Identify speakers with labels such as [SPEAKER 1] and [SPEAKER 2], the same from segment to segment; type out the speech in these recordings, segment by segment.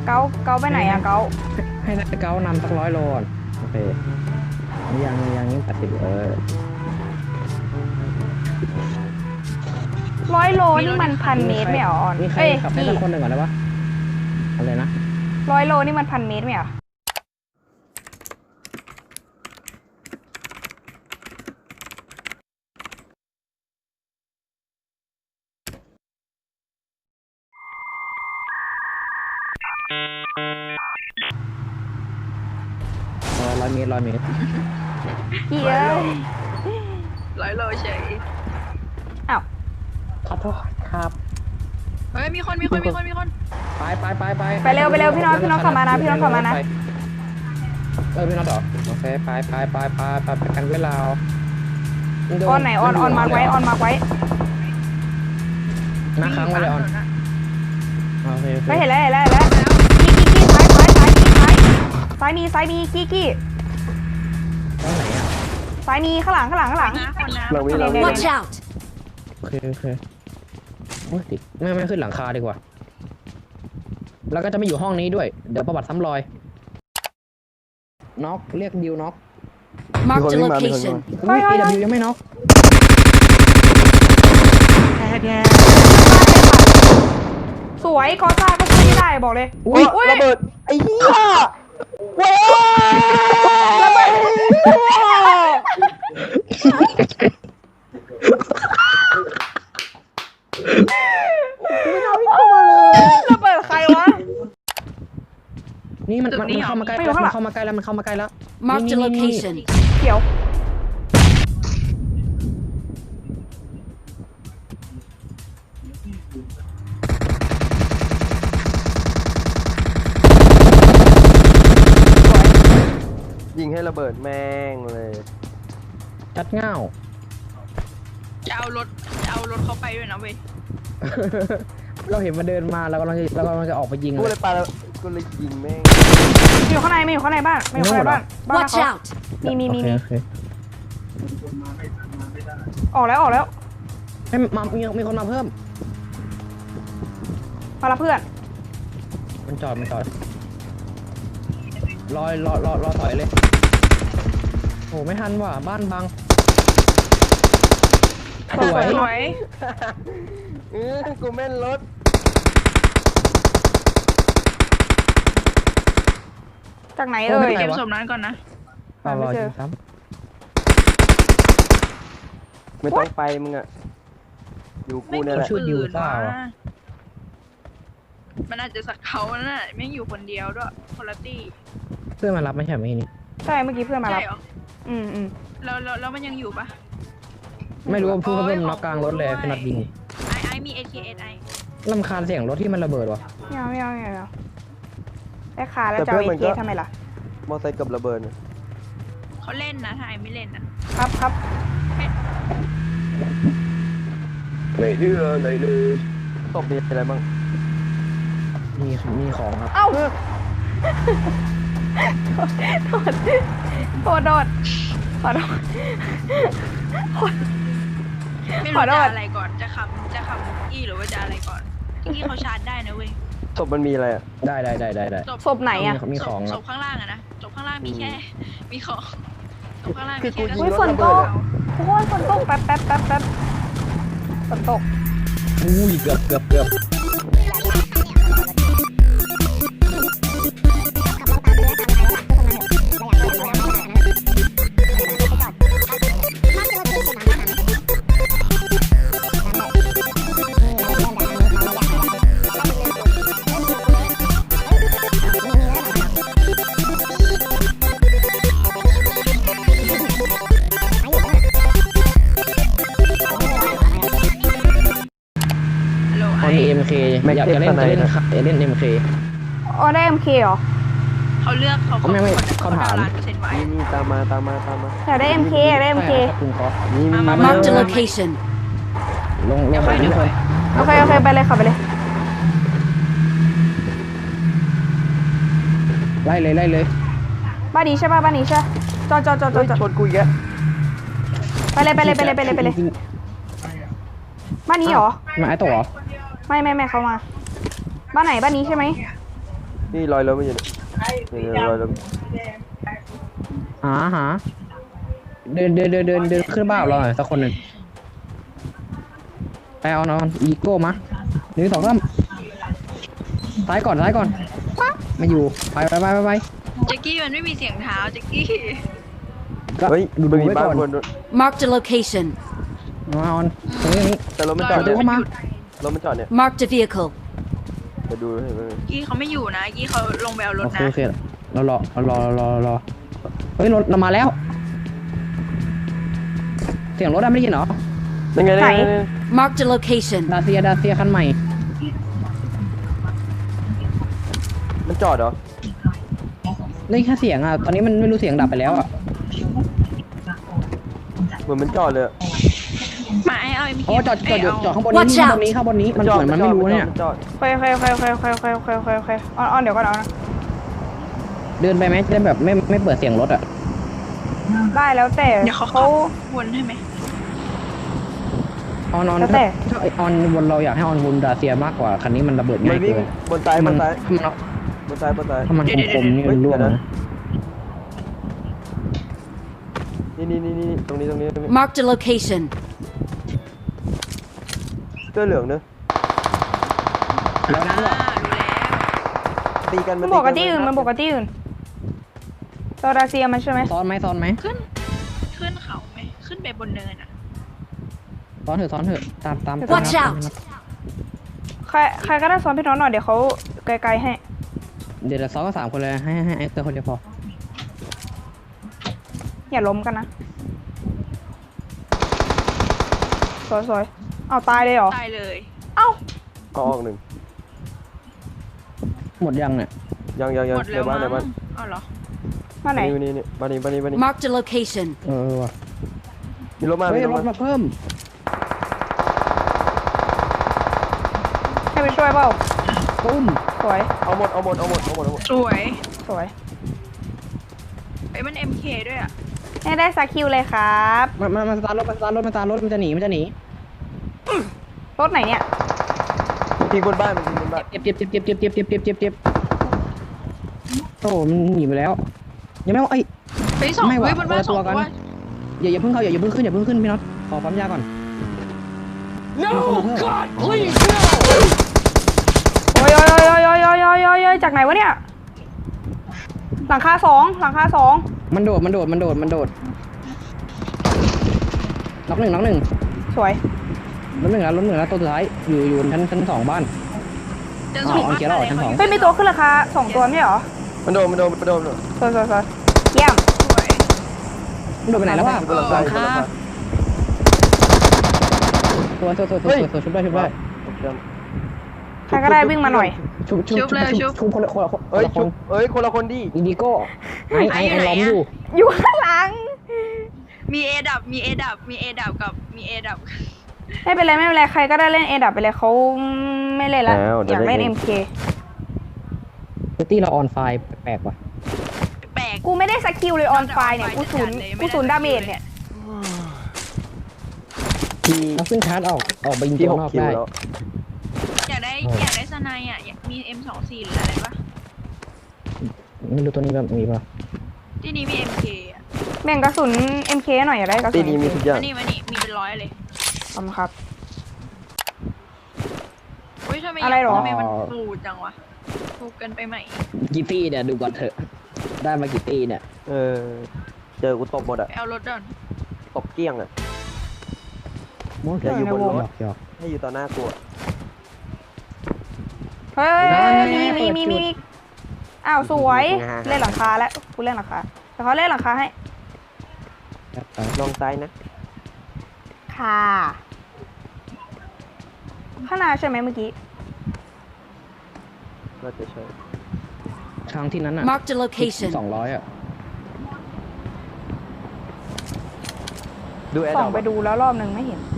[SPEAKER 1] เกาไปไหนอะเกา
[SPEAKER 2] ให้เก้านำสัก100 โลโอเคยัง80
[SPEAKER 1] 100 โลนี่มัน1,000 เมตรไม่เหรอออน
[SPEAKER 2] มีใครขับให้สักคนหนึ่งก่อนได้ปะอะไรนะ
[SPEAKER 1] 100 โลนี่มัน1,000 เมตรไม่เหรอ
[SPEAKER 2] 100 เมตร
[SPEAKER 1] เหี้ย
[SPEAKER 3] 100 โลเฉย
[SPEAKER 1] อ้าว
[SPEAKER 2] ขอโทษครับ
[SPEAKER 3] เฮ้ยมีคน
[SPEAKER 2] ไป
[SPEAKER 1] เร็วพี่น้องขับมานะพี่น้องขับมานะ
[SPEAKER 2] พี่น้องเหรอโอเคไปกันเวลา
[SPEAKER 1] ออนไหนออนมาร์กไว้
[SPEAKER 2] หน้าค้างไว้เลยออนโอเค
[SPEAKER 1] ไม่เห็นแล้วกี้ซ้ายมีกี้
[SPEAKER 2] ตรงไหนอ่ะ
[SPEAKER 1] ซ้ายมีข้างหลัง
[SPEAKER 4] Watch out
[SPEAKER 2] โอเคโอ้ยติดไม่ขึ้นหลังคาดีกว่าแล้วก็จะไม่อยู่ห้องนี้ด้วยเดี๋ยวประวัติซ้ำรอยน็อกเรียกดิวน็อก
[SPEAKER 4] Mark the location
[SPEAKER 2] AW ยังไม่น็อก
[SPEAKER 1] สวยกอซ่าก็ช่วยไม่ได้บอกเลย
[SPEAKER 2] อุ้ยระเบิดไอ้เหี้ยว้าวระเบิด
[SPEAKER 1] ระเบิดใครวะ
[SPEAKER 2] นี่มันเข้ามาใกล้แล้วมันเข้ามาใกล้แล้ว
[SPEAKER 4] Mark the location
[SPEAKER 1] เขียว
[SPEAKER 5] ยิงให้ระเบิดแม่งเลย
[SPEAKER 2] จัดเง่า
[SPEAKER 3] จะเอารถเข้าไปด้วยนะเว้ย
[SPEAKER 2] เราเห็นมันเดินมาเรากำลังจะออกไปยิง
[SPEAKER 5] กูเลยปาแล้วกูเลยยิงแม่ง
[SPEAKER 1] อยู่ข้างในบ้าน
[SPEAKER 4] Watch out
[SPEAKER 1] มี
[SPEAKER 2] โอเค
[SPEAKER 1] ออกแล้ว
[SPEAKER 2] ให้มีคนมาเพิ่ม
[SPEAKER 1] มาละเพื่อน
[SPEAKER 2] มันจอดรอถอยเลยโอ้ไม่ทันว่ะบ้านบัง
[SPEAKER 1] สวย
[SPEAKER 5] กูแม่นรถ
[SPEAKER 1] จากไหน
[SPEAKER 3] เก็บศพนั้นก่อนนะ
[SPEAKER 2] รอยิงซ้
[SPEAKER 5] ำไม่ต้องไปมึงอะอยู่กูเนี่ยแหละ
[SPEAKER 2] ชื่อดิวซ่า
[SPEAKER 3] มันอาจจะสักเขานั่นแหละไม่อยู่คนเดียวด้วยคนละตี้
[SPEAKER 2] เพื่อนมารับไม่ใช่ไหมนี่
[SPEAKER 1] ใช่เมื่อกี้เพื่อนมารับ
[SPEAKER 3] แล้วมันยังอยู่ปะ
[SPEAKER 2] ไม่รู้ว่าเพื่อนน็อกกลางรถเลยเป็นนัดยิง
[SPEAKER 3] ไอมี AKSI
[SPEAKER 2] รำคาญเสียงรถที่มันระเบิดวะ
[SPEAKER 1] ไม่เอาได้ขาแล้วจะเอาAKทำไมล่ะ
[SPEAKER 5] มอไซค์กับระเบิด
[SPEAKER 3] เขาเล่นนะถ้าไอไม่เล่นนะครับ
[SPEAKER 5] ไม่เชื่อเลยตบมีอะไรบ้าง
[SPEAKER 2] มีของครับ
[SPEAKER 1] เอ้าโทษขอโทษ
[SPEAKER 3] ไม่รู้จะอะไรก่อนจะขับอีหรือว่าจะอะไรก่อนที่เขาชาร์จได้นะเว้ย
[SPEAKER 5] ศพมันมีอะไรอ่ะ
[SPEAKER 2] ได้
[SPEAKER 1] ศพไหนอ่ะ
[SPEAKER 2] มีของ
[SPEAKER 3] ศพข้างล่างอะนะศพข้างล่างมีแค่มีของศพข้างล่างมีแค่
[SPEAKER 1] ฝนตกทุกคนฝนตกแป๊บฝนตก
[SPEAKER 2] อุ้ยเกือบมี MK อยากจะเล่นMK
[SPEAKER 1] อ๋อได้ MK เหรอ
[SPEAKER 3] เขาเลือกเขา
[SPEAKER 2] ไม่เขาถาม
[SPEAKER 5] นี่ตามมา
[SPEAKER 1] อยากได้ MK
[SPEAKER 2] นี่
[SPEAKER 4] Mark the location
[SPEAKER 2] ลงไปทุกคน
[SPEAKER 1] โอเคไปเลยขับไปเลย
[SPEAKER 2] ไล่เลย
[SPEAKER 1] บ้านนี้ใช่ป่ะบ้านนี้ใช่จอด
[SPEAKER 5] ชนกูอีกแล้ว
[SPEAKER 1] ไปเลยบ้านนี้เหรอ
[SPEAKER 2] มาไอ้ตัวเหรอ
[SPEAKER 1] ไม่เขามาบ้านไหนบ้านนี้ใช่ไหม
[SPEAKER 5] นี่ลอยรถมาอยู่เนี่ยลอยรถ
[SPEAKER 2] หาเดินขึ้นบ้านเราหน่อยสักคนหนึ่งไปเอานอนอีโก้มา1 2 3ซ้ายก่อนมาอยู่ไป
[SPEAKER 3] แจ็คกี้มันไม่มีเสียงเท้าแจ็คกี้
[SPEAKER 2] ก็
[SPEAKER 5] เฮ้ย
[SPEAKER 2] ดู
[SPEAKER 5] มันมี
[SPEAKER 2] ไว้
[SPEAKER 5] บ้าน
[SPEAKER 2] ก่อน
[SPEAKER 5] บน
[SPEAKER 4] Marked a location.
[SPEAKER 2] มาออนตรงนี้
[SPEAKER 5] แต่รถมันจอด
[SPEAKER 2] ดู
[SPEAKER 5] เนี่ย
[SPEAKER 2] เข้ามา
[SPEAKER 5] รถมันจอดเนี่ย
[SPEAKER 4] Marked a vehicle.
[SPEAKER 5] ไปดูให้ไหม
[SPEAKER 3] กี้เขาไม่อยู่นะกี้เขาลงไปเอารถ
[SPEAKER 2] โอเค
[SPEAKER 3] นะ
[SPEAKER 2] โอเคเรารอเฮ้ยรถเรามาแล้ว เสียงรถได้ไม่ได้ยินเหรอ
[SPEAKER 5] ยังไง
[SPEAKER 4] Marked a location.
[SPEAKER 2] ดาเซียคันใหม่
[SPEAKER 5] มันจอดเหรอ
[SPEAKER 2] ได้แค่เสียงอ่ะ ตอนนี้มันไม่รู้เสียงดับไปแล้วอ่ะ
[SPEAKER 5] เหมือนมันจอดเลย
[SPEAKER 3] มาไอ้เอา
[SPEAKER 2] โอ้จอดข้างบน
[SPEAKER 4] Watch
[SPEAKER 2] นี้
[SPEAKER 4] out
[SPEAKER 2] ข้างบนนี้มันเหมือนมันไม่รู้เนี่ย
[SPEAKER 5] มันจอด
[SPEAKER 1] โอเคออนเดี๋ยวก่อนเอานะ
[SPEAKER 2] เดินไปไหมจะได้แบบไม่เปิดเสียงรถอ่ะ
[SPEAKER 1] ได้แล้วแต่
[SPEAKER 3] เดี๋ยวเขา
[SPEAKER 1] เขา
[SPEAKER 3] วนให้ไหม
[SPEAKER 2] ออน
[SPEAKER 1] แล้วแต่
[SPEAKER 2] ถ้าออนวนเราอยากให้ออนวนดาเซียมากกว่าคันนี้มันระเบิด
[SPEAKER 5] มั
[SPEAKER 2] ง่าน ย
[SPEAKER 5] วิ่ง
[SPEAKER 2] เกิน
[SPEAKER 5] บนซ้ายบนซ้าย
[SPEAKER 2] ถ้ามันคมๆนี่มันร่วงนะ
[SPEAKER 5] นี่ตรงนี้
[SPEAKER 4] Marked a location.
[SPEAKER 5] เสื้อเหลืองเนอะ
[SPEAKER 2] แล้วนั้นเหรอ
[SPEAKER 3] รู้แล้ว
[SPEAKER 5] ตีกัน
[SPEAKER 1] มันบอกกับที่อื่นโซดาเซียมันใช่ไหม
[SPEAKER 2] ซ้อนไหม
[SPEAKER 3] ขึ้นเขาไหมขึ้นไปบนเนินอ่ะ
[SPEAKER 2] ซ้อนเถอะตาม
[SPEAKER 4] Watch out
[SPEAKER 1] ใครก็ได้ซ้อนพี่น้องหน่อยเดี๋ยวเขาไกลๆให้
[SPEAKER 2] เดี๋ยวซ้อนก็3 คนเลยให้ไอ้เตอร์คนเดียวพอ
[SPEAKER 1] อย่าล้มกันนะสวยเอาตายเลยเหรอ
[SPEAKER 3] ตายเลย
[SPEAKER 1] เอ้า
[SPEAKER 5] ก็ออกหนึ่ง
[SPEAKER 2] หมดยังเนี่ย
[SPEAKER 5] ยัง
[SPEAKER 3] หมด
[SPEAKER 5] ใน
[SPEAKER 3] แล้ว
[SPEAKER 5] บ้าน
[SPEAKER 3] มั้งอ๋อเหรอ
[SPEAKER 1] มาไหน
[SPEAKER 5] นี่บ้านนี้
[SPEAKER 4] Marked a location.
[SPEAKER 2] ว่ะ
[SPEAKER 5] มีรถมา
[SPEAKER 2] เฮ้ยรถมาเพิ่ม
[SPEAKER 1] ให้ไปช่วยเปล่า
[SPEAKER 2] ปุ้ม
[SPEAKER 1] สวย
[SPEAKER 5] เอาหมด
[SPEAKER 3] สวย ไอ้มัน MK ด้วยอ่ะ
[SPEAKER 1] ให้ได้สักคิวเลยครับ
[SPEAKER 2] มาสตาร์ทรถมันจะหนี
[SPEAKER 1] รถไหนเนี่ย
[SPEAKER 5] ทิ้งบนบ้านมันทิ้งบนบ้าน
[SPEAKER 2] เจ็บโอ้มันหนีไปแล้วยังไม่ว่าไอ้
[SPEAKER 3] ไปสอง
[SPEAKER 2] ไม่ว่ะ
[SPEAKER 3] เฮ้ยบนบ้าน
[SPEAKER 2] คนละ
[SPEAKER 3] ส
[SPEAKER 2] ตั
[SPEAKER 3] อ
[SPEAKER 2] ว
[SPEAKER 3] ง
[SPEAKER 2] กัน
[SPEAKER 3] ตัว
[SPEAKER 2] อย่าเพิ่งขึ้นพี่น็อตขอปั๊มยาก่อน
[SPEAKER 4] No, God, please,
[SPEAKER 1] โอ้ยจากไหนวะเนี่ย หลังคาสอง
[SPEAKER 2] มันโดดน็อกหนึ่ง
[SPEAKER 1] สวย
[SPEAKER 2] ล้มหนึ่งแล้วตัวสุดท้ายอยู่ชั้น 2บ้าน
[SPEAKER 3] จะ
[SPEAKER 2] อ๋
[SPEAKER 3] ส่
[SPEAKER 2] อง เอาเกียร์ออกชั้น 2
[SPEAKER 1] เฮ้ยมีตัวขึ้นราคา2 ตัวไม่ใช่เหรอ
[SPEAKER 5] มันโดน
[SPEAKER 1] สวยเยี่ยม
[SPEAKER 3] สวย
[SPEAKER 2] มันโดดไปไหนแล้ววะ
[SPEAKER 5] บนหลังคา
[SPEAKER 2] ตัวชุบได้
[SPEAKER 1] ใครก็ได้วิ่งมาหน่อย
[SPEAKER 2] ชุบคนละ
[SPEAKER 5] เอ้ยคนละคนดิ
[SPEAKER 2] อินดิโก้ไอ้ล้อมอยู่
[SPEAKER 1] อยู่ข้างหลัง
[SPEAKER 3] มีเอดับกับ
[SPEAKER 1] ไม่เป็นไรใครก็ได้เล่นเอดับไปเลยเขาไม่เล่นละอยากเล่น MK
[SPEAKER 2] ตี้เราออนไฟแปลกว่ะ
[SPEAKER 3] แปลก
[SPEAKER 1] กูไม่ได้สกิลเลยออนไฟเนี่ยกูศูนย์ดาเมจเนี่ย
[SPEAKER 2] เราขึ้นชาร์จออกไปยิง
[SPEAKER 5] ที่
[SPEAKER 2] ตัว
[SPEAKER 5] 6
[SPEAKER 2] นอก
[SPEAKER 5] คิว
[SPEAKER 2] ได้
[SPEAKER 5] แล้ว
[SPEAKER 3] อยากได้สไนอ่ะอยากมี M24 หรืออะไรปะ
[SPEAKER 2] ไม่รู้ตัวนี้แบบมีป่ะ
[SPEAKER 3] ที่นี้มี MK อ่ะ
[SPEAKER 1] แบ่งกระสุน MK หน่อยอยากได้กระสุ
[SPEAKER 5] ตี
[SPEAKER 1] น
[SPEAKER 5] นี้มี
[SPEAKER 1] MK
[SPEAKER 5] ทุกอย่าง
[SPEAKER 3] มานี่มีเป็นร้อยเลย
[SPEAKER 1] ขอบคุณครับ
[SPEAKER 3] อุ้ยทำไม
[SPEAKER 1] อะไรหรอ
[SPEAKER 3] ทำไมมันปูดจังวะปูกันไปใหม่
[SPEAKER 2] กี่ตี้เนี่ยดูก่อนเถอะได้มากี่ตี้เนี่ย
[SPEAKER 5] เจอกูตบหมด
[SPEAKER 3] ไปเอารถก่อน
[SPEAKER 5] ตบเกลี้ยง
[SPEAKER 2] มั่ว
[SPEAKER 5] อย่าอยู่บนรถ
[SPEAKER 2] หยอก
[SPEAKER 5] ให้อยู่ต่อหน้ากู
[SPEAKER 1] เฮ้ยมีอ้าวสวยเล่นหลังคาแล้วกูเล่นหลังคาแต่เขาเล่นหลังคาให้
[SPEAKER 5] ลองซ้ายนะ
[SPEAKER 1] ค่ะข้างหน้าใช่ไหมเมื่อกี้
[SPEAKER 5] น่าจะใช่
[SPEAKER 2] ครั้งที่นั้นอ่ะ
[SPEAKER 4] Marked a location.
[SPEAKER 2] 200อ่ะ
[SPEAKER 5] ดูแอร์
[SPEAKER 1] ส่
[SPEAKER 5] ด
[SPEAKER 1] อ
[SPEAKER 5] อง ก
[SPEAKER 1] ไปดูแล้วรอบนึงไม่เห็น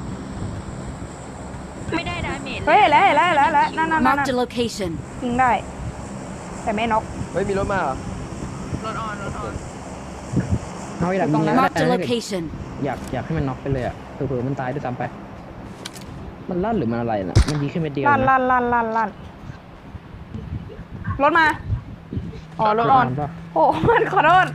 [SPEAKER 3] ไม่ได้ดาเมจ
[SPEAKER 1] เฮ้ยเห็นแล้วนั่น
[SPEAKER 4] Marked a location.
[SPEAKER 1] ยิงได้ แต่ไม่น็อก
[SPEAKER 5] เฮ้ยมีรถมาเหรอ
[SPEAKER 3] รถออน
[SPEAKER 2] เอาไอ้ดับยิงแล้ว
[SPEAKER 4] Marked a location.
[SPEAKER 2] อยากให้มันน็อกไปเลยอ่ะเผื่อมันตายด้วยซ้ำไป มันลั่นหรือมันอะไรน่ะมันยิงแค่เม็ดเดียว
[SPEAKER 1] ลั่น
[SPEAKER 2] นะ
[SPEAKER 1] รถมา อ๋อรถออน
[SPEAKER 2] ป่ะ
[SPEAKER 1] โอ้มันขอโทษ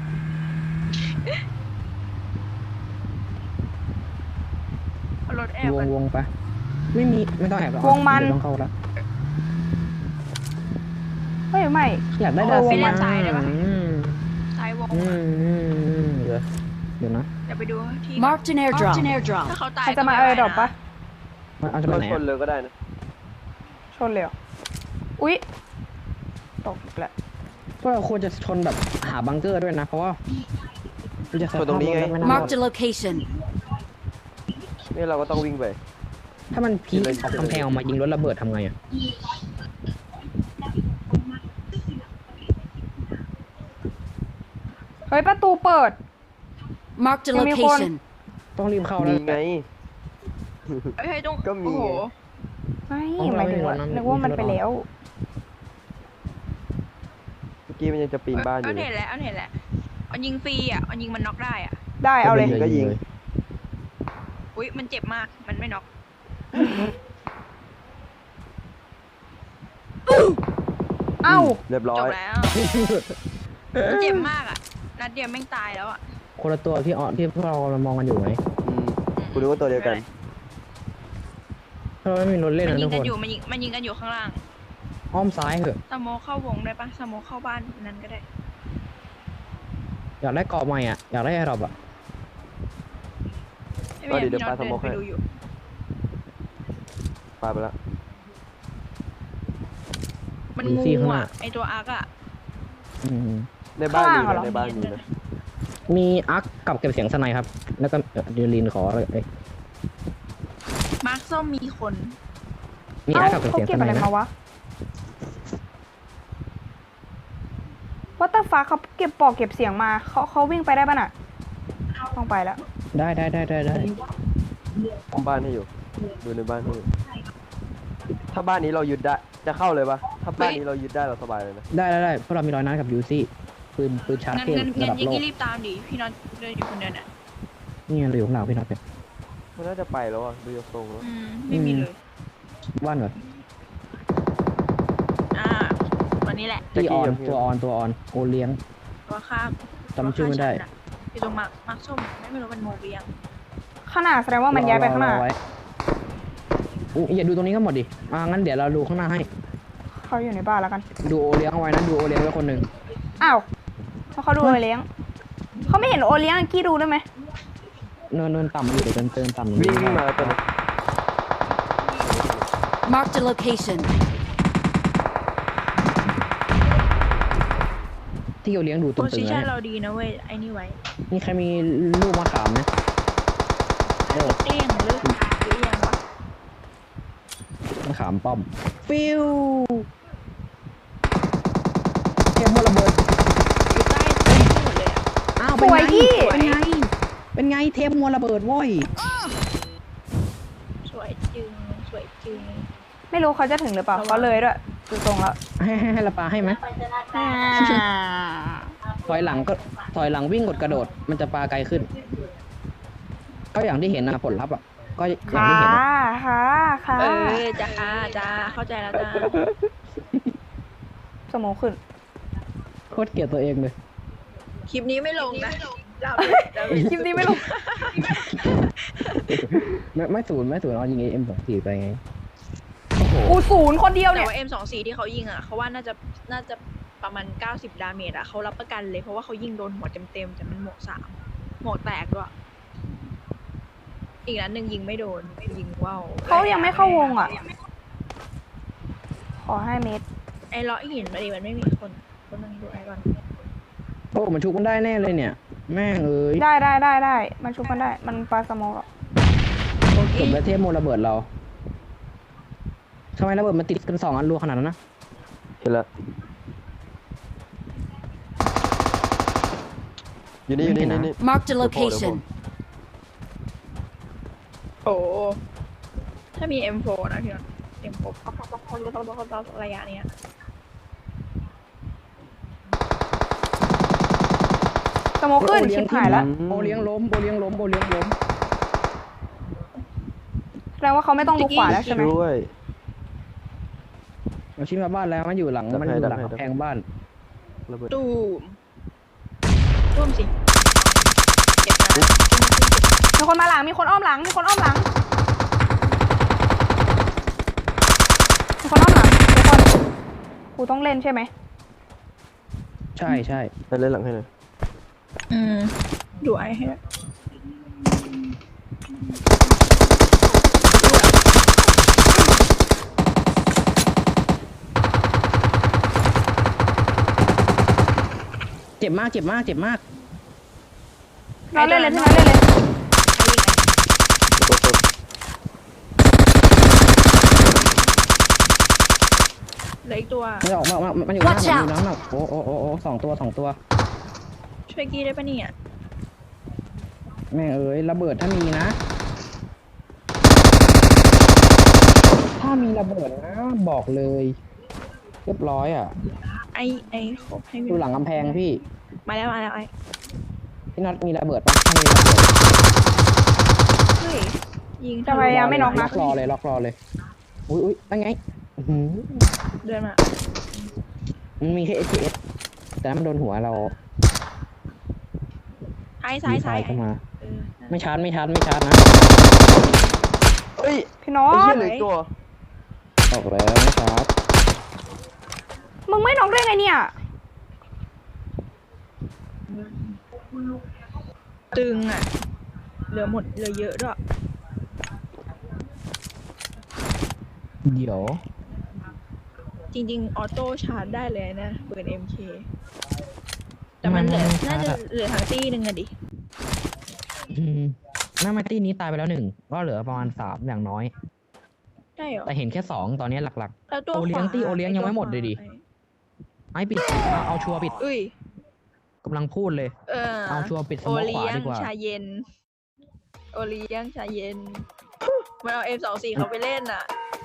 [SPEAKER 3] เอารถแอบ
[SPEAKER 2] ว
[SPEAKER 3] กั
[SPEAKER 2] ง
[SPEAKER 3] น
[SPEAKER 2] วงไปไม่มีไม่ต้องแอบหรอก
[SPEAKER 1] วงมัน
[SPEAKER 2] เดี๋ยต้องเข้าแล้ว
[SPEAKER 1] เฮ้ยไม่
[SPEAKER 2] อยากได้
[SPEAKER 1] เออ
[SPEAKER 2] ดาว
[SPEAKER 1] วง
[SPEAKER 2] สิ
[SPEAKER 1] มัน
[SPEAKER 3] ซ้ายได้ปะ
[SPEAKER 2] อืม
[SPEAKER 3] ซ้ายวง
[SPEAKER 2] เดี๋ยวนะ
[SPEAKER 3] เดี๋ยวไปดูที่
[SPEAKER 4] Marked an airdrop.
[SPEAKER 3] ถ้าเขาตาย
[SPEAKER 1] ใครจะมาเออดรอปปะ
[SPEAKER 2] มันเอาจะไป
[SPEAKER 5] ก็
[SPEAKER 2] ไหน
[SPEAKER 5] ชน
[SPEAKER 2] อะ
[SPEAKER 5] เลยก็ได้นะ
[SPEAKER 1] ชนเลยเหรออุ๊ยตกอีกแล้ว
[SPEAKER 2] พวกเราควรจะชนแบบหาบังเกอร์ด้วยนะ เพราะว่ามันจะส
[SPEAKER 5] ชนตรงนี้ไง
[SPEAKER 2] ภาพถม่น่ารอด
[SPEAKER 4] Marked a location.
[SPEAKER 5] นี่เราก็ต้องวิ่งไป
[SPEAKER 2] ถ้ามันพีคออกกำแพงออกมายิงรถระเบิดทำไงอ่ะ
[SPEAKER 1] เฮ้ยประตูเปิด
[SPEAKER 4] Marked a
[SPEAKER 1] Give me one.
[SPEAKER 4] location.
[SPEAKER 2] ต้องรีบเข้าแล้
[SPEAKER 5] มี
[SPEAKER 2] ว
[SPEAKER 5] ไง
[SPEAKER 3] เฮ้ยต้อง
[SPEAKER 5] ก็มี
[SPEAKER 3] โอ้โห
[SPEAKER 1] ไม่
[SPEAKER 2] อ๋อ
[SPEAKER 1] หมายถึงว่า
[SPEAKER 2] ไม่มีรถนะ
[SPEAKER 1] นึกว่ามันไปแล้ว
[SPEAKER 5] เมื่อกี้มันยังจะปีนบ้านอยู่
[SPEAKER 3] เอา
[SPEAKER 5] เล
[SPEAKER 3] เห็
[SPEAKER 5] ย
[SPEAKER 3] นแล้วเอาเห็นแล้วเอายิงฟรีอ่ะเอายิงมันน็อกได้อ่ะ
[SPEAKER 1] ได้เอาเลย
[SPEAKER 5] ก็ยิง
[SPEAKER 3] อุ้ยมันเจ็บมากมันไม่น็อก
[SPEAKER 1] เอ้า
[SPEAKER 5] เรียบร้อ
[SPEAKER 3] จ
[SPEAKER 5] ย
[SPEAKER 3] บแล้วมันเจ็บมากอ่ะนัดเดียวแม่งตายแล้วอ่ะ
[SPEAKER 2] คนละตัวที่ที่พวกเรามองกันอยู่ไหม
[SPEAKER 5] คุณรู้ว่าตัวเดียวกัน
[SPEAKER 2] ถ้าเราไม่มีรถเล่น
[SPEAKER 3] มัน
[SPEAKER 2] นะ
[SPEAKER 3] ยิ
[SPEAKER 2] ทุ
[SPEAKER 3] ง
[SPEAKER 2] ก
[SPEAKER 3] กั
[SPEAKER 2] คน น
[SPEAKER 3] อยู่มันยิงกันอยู่ข้างล่าง
[SPEAKER 2] อ้อมซ้ายเถอะ
[SPEAKER 3] สโมคเข้าวงได้ปะสโมคเข้าบ้านนั้นก็ได้
[SPEAKER 2] อยากได้เกาะใหม่อ่ะ อยากได้แอร์ดรอปอ่ะ
[SPEAKER 3] ไม่เป็นไร
[SPEAKER 5] เดี๋ยว
[SPEAKER 3] พี่น็อต
[SPEAKER 5] ปาสโมค
[SPEAKER 3] เดินไป
[SPEAKER 5] ให้
[SPEAKER 3] ดูอยู่
[SPEAKER 5] ปาไปแล้ว
[SPEAKER 3] มัน
[SPEAKER 2] มี
[SPEAKER 3] งู
[SPEAKER 2] ซี่ข้างหน้า
[SPEAKER 3] อ่ะไอตัวอาร์กอ่ะ
[SPEAKER 2] อืม
[SPEAKER 5] ในบ้านมี
[SPEAKER 1] ข้างล่างเหรอ
[SPEAKER 5] นะในบ้านมีนะ
[SPEAKER 2] มีอาร์คกับเก็บเสียงสไนครับ แล้วก็เดลินขอเลย
[SPEAKER 3] มาร์คส้มมีคน
[SPEAKER 2] มี
[SPEAKER 1] เอ้า
[SPEAKER 2] อาร์คกับเก็บ
[SPEAKER 1] เขา
[SPEAKER 2] เสียง
[SPEAKER 1] เก็
[SPEAKER 2] ส
[SPEAKER 1] บ
[SPEAKER 2] ไน
[SPEAKER 1] อะไร
[SPEAKER 2] นะ
[SPEAKER 1] มาวะวัตตาฟ้าเขาเก็บปอกเก็บเสียงมาเขาวิ่งไปได้ป่ะน่ะต้องไปแล้ว
[SPEAKER 2] ได้
[SPEAKER 5] บ้านให้อยู่ ดูในบ้านให้อยู่ ถ้าบ้านนี้เรายึดได้ จะเข้าเลยปะถ้าบ้านนี้เรายึดได้เราสบายเลยนะ
[SPEAKER 2] ได้เพราะเรามีรอยนัดกับยูซี่ปืนชาร์จ
[SPEAKER 3] งั้น
[SPEAKER 2] เทพ
[SPEAKER 3] งั้น
[SPEAKER 2] ระ
[SPEAKER 3] งั้น
[SPEAKER 2] ดับ
[SPEAKER 3] ยิง
[SPEAKER 2] โลก
[SPEAKER 3] รีบตามดิพี่น็อตเดินอยู่คนเดียวน่ะ
[SPEAKER 2] นี่ไงเราอยู่ข้างหลังพี่น็อตเนี่ย
[SPEAKER 5] มันน่าจะไปแล้วอ่ะดูจากทรงแล้ว
[SPEAKER 3] ไม่มีเลย
[SPEAKER 2] ว่านก่อน
[SPEAKER 3] วันนี้แหละ
[SPEAKER 2] ที่ออนตัวออนโอเลี้ยง
[SPEAKER 3] ตัวข้าม
[SPEAKER 2] จำชื่อไม่ได้
[SPEAKER 3] อยู่ตรงมาร์คส้มไม่รู้มันโมเรียง
[SPEAKER 1] ขนาดแสดงว่ามันย้ายไปข้างหน้าร
[SPEAKER 2] อไว้อย่าดูตรงนี้ก็หมดดิงั้นเดี๋ยวเราดูข้างหน้าให้
[SPEAKER 1] เขาอยู่ในบ้านแล้วกัน
[SPEAKER 2] ดูโอเลี้ยงเอาไว้นะดูโอเลี้ยงไว้คนหนึ่ง
[SPEAKER 1] อ้าวเพราะเขาดูโอเลี้ยงเขาไม่เห็นโอเลี้ยงกี้ดูได้ไหม
[SPEAKER 2] เนินต่ำอยู่เดี๋ยวเติมต่ำ
[SPEAKER 5] วิ่งมาตัวนึง
[SPEAKER 4] Marked a location.
[SPEAKER 2] ที่โอเลี้ยงดู
[SPEAKER 3] โพ
[SPEAKER 2] ตึง
[SPEAKER 3] ซิ
[SPEAKER 2] ๆ
[SPEAKER 3] ชัน
[SPEAKER 2] นะ
[SPEAKER 3] เราดีนะเว้ยไอ้นี่ไว้
[SPEAKER 2] นี่ใครมีลูกมะขามไหม
[SPEAKER 3] เตี้ยงหรือยังวะ
[SPEAKER 2] มะขามป้อมฟิวเทมโมระเบิด
[SPEAKER 3] อยู่ใต้หมดเลยอ่ะ
[SPEAKER 2] อ้าว
[SPEAKER 1] สวยยี่
[SPEAKER 2] เป็นไงเทปมวลระเบิดโว้ย
[SPEAKER 3] สวยจึง
[SPEAKER 1] ไม่รู้เขาจะถึงหรือเปล่าเขาเลยด้วยดูตรงแล้ว
[SPEAKER 2] ให้ละปาให้ไหมถอยหลังวิ่งกดกระโดด มันจะปาไกลขึ้น ก็อย่างที่เห็นนะผลลัพธ์อ่ะก็อย่าง
[SPEAKER 1] ค่ะ
[SPEAKER 2] ที่เห็นนะ
[SPEAKER 1] ค่ะ
[SPEAKER 3] จ้าเข้าใจแล้วจ้า
[SPEAKER 1] สมองขึ้น
[SPEAKER 2] โคตรเกลียดตัวเองเลย
[SPEAKER 3] คลิปนี้ไม่ลงนะเรา
[SPEAKER 1] คลิปนี้ไม่ลง
[SPEAKER 2] ไม่ศูนย์เอายิงM24ไปไง
[SPEAKER 1] กูศูนย์คนเดียว
[SPEAKER 3] แต่
[SPEAKER 1] เนี่ย
[SPEAKER 3] ว่า M24 ที่เขายิงอ่ะเขาว่าน่าจะประมาณ90 ดาเมจอ่ะเขารับประกันเลยเพราะว่าเขายิงโดนหัวเต็มๆแต่มันหมวก3หมวกแตกด้วยอีกนัดหนึ่งยิงไม่โดนยิงว่าว
[SPEAKER 1] เขายังไม่เข้าวงอ่ะ ขอ5 เมตร
[SPEAKER 3] ไอ้ล้อหินมาดิมันไม่มีคนนึงดูไอ้ก่อน
[SPEAKER 2] โอ้มันชุบมันได้แน่เลยเนี่ย แม่งเอ้ย
[SPEAKER 1] ได้มันชุบกันได้มันปลาสโมองหรอก
[SPEAKER 2] สมแล้วเทพโมระเบิดเราทำไมระเบิดมันติดกัน2 อันรัวขนาดนั้นนะ
[SPEAKER 5] เห็นแล้วอยู่นี่
[SPEAKER 4] Marked a location.
[SPEAKER 3] โอ้ถ้ามี M4 นะพี่น้อง M4 ระยะเนี้ย
[SPEAKER 1] สโมองขึ้นชิบหายแล้ว
[SPEAKER 2] โอเลี้ยงล้ม
[SPEAKER 1] แสดงว่าเขาไม่ต้องดูขวาแล้วใช่ไหม
[SPEAKER 5] ช่วย
[SPEAKER 2] มันชิดมาบ้านแล้วมันอยู่หลังมันอยู่หลังกำแพงบ้าน
[SPEAKER 5] ระเบิด
[SPEAKER 3] ตูมร่วมสิเก็บนะ
[SPEAKER 1] มีคนมาหลังมีคนอ้อมหลังมีคนอ้อมหลังมีคนอ้อมหลังทุกคนกูต้องเล่นใช่ไหม
[SPEAKER 2] ใช่ใช่
[SPEAKER 5] ไปเล่นหลังให้หน่อย
[SPEAKER 3] ดูไอ้ให้ด้วย
[SPEAKER 2] เจ็บมากเจ็บมากเจ็บมาก
[SPEAKER 1] เราเล่นเลยที่เราเล่นเลย
[SPEAKER 5] ตัวตัว
[SPEAKER 3] เหลืออีกตัว
[SPEAKER 2] มันจะออกมามันอยู่หน้า
[SPEAKER 4] Watch
[SPEAKER 2] มันอยู่หน้าโอ้สองตัว
[SPEAKER 3] ช่วยกี้ได้ปะเนี่ย
[SPEAKER 2] แม่งเอ้ยระเบิดถ้ามีนะ ถ้ามีระเบิดนะบอกเลยเรียบร้อยอ่ะ
[SPEAKER 3] ไอ้ขบให้
[SPEAKER 2] ดูหลังกำแพงพี่
[SPEAKER 3] มาแล้วไอ้
[SPEAKER 2] พี่น็อตมีระเบิดปะถ้ามีระเบิด
[SPEAKER 3] เฮ้ยยิง
[SPEAKER 1] จะพยายามไม่น็อก
[SPEAKER 2] ล็
[SPEAKER 1] นะ
[SPEAKER 2] อกรอเลยอุ้ยตั้งไงอื้อหือ
[SPEAKER 3] เดินมา
[SPEAKER 2] มันมีแค่ SPS แต่มันโดนหัวเรา
[SPEAKER 3] ซ้าย
[SPEAKER 2] มีไฟเข้ามา
[SPEAKER 3] เออ
[SPEAKER 2] ไม่ชาร์จนะ
[SPEAKER 5] เฮ้ย
[SPEAKER 1] พี่น้อ
[SPEAKER 5] ไอ้เหี้ย
[SPEAKER 1] ง
[SPEAKER 5] เหลืออีกตัว
[SPEAKER 2] ออกแล้วไม่ชาร์จ
[SPEAKER 1] มึงไม่น็อกได้ไงเนี่ย
[SPEAKER 3] ตึงอ่ะเหลือเยอะด้วย
[SPEAKER 2] เดี๋ยว
[SPEAKER 3] จริงๆออโต้ชาร์จได้เลยนะปืน MK แต่มันเหลือน่าจะเหลือทางตี้หนึ่งอะดิ
[SPEAKER 2] หน้าไมตี้นี้ตายไปแล้ว1ก็เหลือประมาณ3อย่างน้อย
[SPEAKER 3] ใช่เหรอ
[SPEAKER 2] แต่เห็นแค่2ตอนนี้หลัก
[SPEAKER 3] แล้วตัว
[SPEAKER 2] โอเลี้ยง
[SPEAKER 3] ขวา
[SPEAKER 2] ตี้โอเลี้ยงยังไม่หมดเลยดิ ๆไอ้ปิดเอาชัวร์ปิด
[SPEAKER 3] อุ้ย
[SPEAKER 2] กำลังพูดเลย เอาชัวร์ปิดส
[SPEAKER 3] โอ
[SPEAKER 2] มองข
[SPEAKER 3] เลี้
[SPEAKER 2] วาย
[SPEAKER 3] ง
[SPEAKER 2] ดีกว่า
[SPEAKER 3] ชาเย็น โอเลี้ยงชาเย็น มันเอา M24 เขาไปเล่นอ่ะ